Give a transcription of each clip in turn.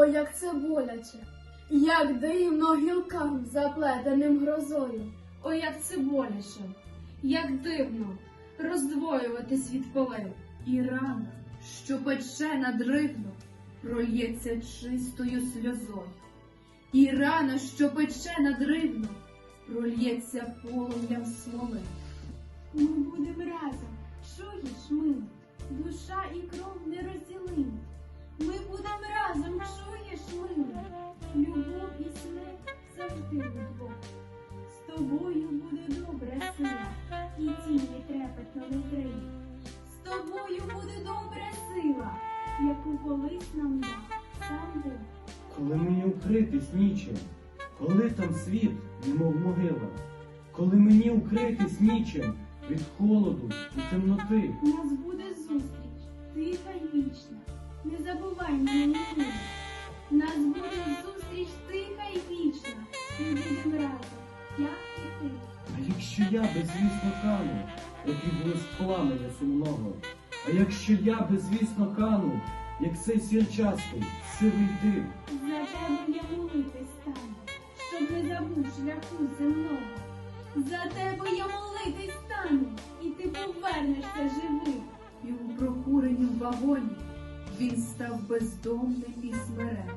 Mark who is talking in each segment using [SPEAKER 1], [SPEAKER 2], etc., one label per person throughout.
[SPEAKER 1] О, як це боляче, як дивно гілкам, заплетеним грозою.
[SPEAKER 2] О, як це боляче, як дивно роздвоюватись від полей. І рана, що пече надривно, прольється чистою сльозою. І рана, що пече надривно, прольється полум'ям смоли.
[SPEAKER 3] Ми будем разом, чуєш, милий, душа і кров не розділимо. Ми будем разом, чуєш, милий, любов і смерть завжди вдвох. З тобою буде добра сила, і тіні трепетно не крий. З тобою буде добра сила, яку колись нам дав сам Бог.
[SPEAKER 4] Коли мені укритись нічим, коли там світ, немов могила, коли мені укритись нічим від холоду і темноти.
[SPEAKER 3] Нас буде зустріч, тиха й вічна, не забувай мене ніколи. Нас буде зустріч тиха й вічна, ми будемо разом, я і ти.
[SPEAKER 4] А якщо я безвісно кану, як і блиск пламеня сумного, а якщо я безвісно кану, як цей сірчастий, сивий дим,
[SPEAKER 3] За тебе я молитись стану, щоб не забув шляху земного. За тебе я молитись стану, і ти повернешся живий.
[SPEAKER 2] І у прокуренім вагоні він став бездомним і смиренним.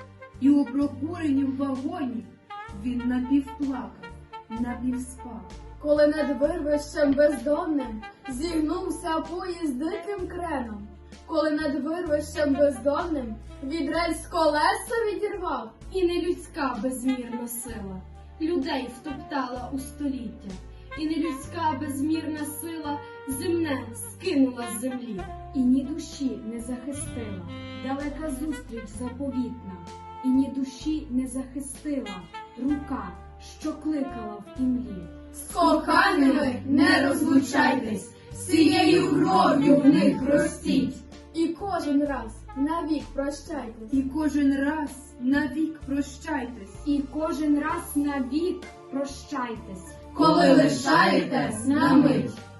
[SPEAKER 2] І у прокуренім вагоні він напівплакав, напівспав.
[SPEAKER 1] Коли над вирвищем бездонним зігнувся поїзд диким креном, коли над вирвищем бездонним від рельс колеса відірвав,
[SPEAKER 2] І нелюдська безмірна сила людей втоптала у століття, і нелюдська безмірна сила земне скинула з землі.
[SPEAKER 5] І ні душі не захистила далека зустріч заповітна, і ні душі не захистила рука, що кликала в імлі.
[SPEAKER 1] з коханими не розлучайтесь, цією кров'ю в них ростіть. І кожен раз навік прощайтесь.
[SPEAKER 2] І кожен раз навік прощайтесь.
[SPEAKER 5] І кожен раз навік прощайтесь.
[SPEAKER 1] Коли лишаєтесь на мить.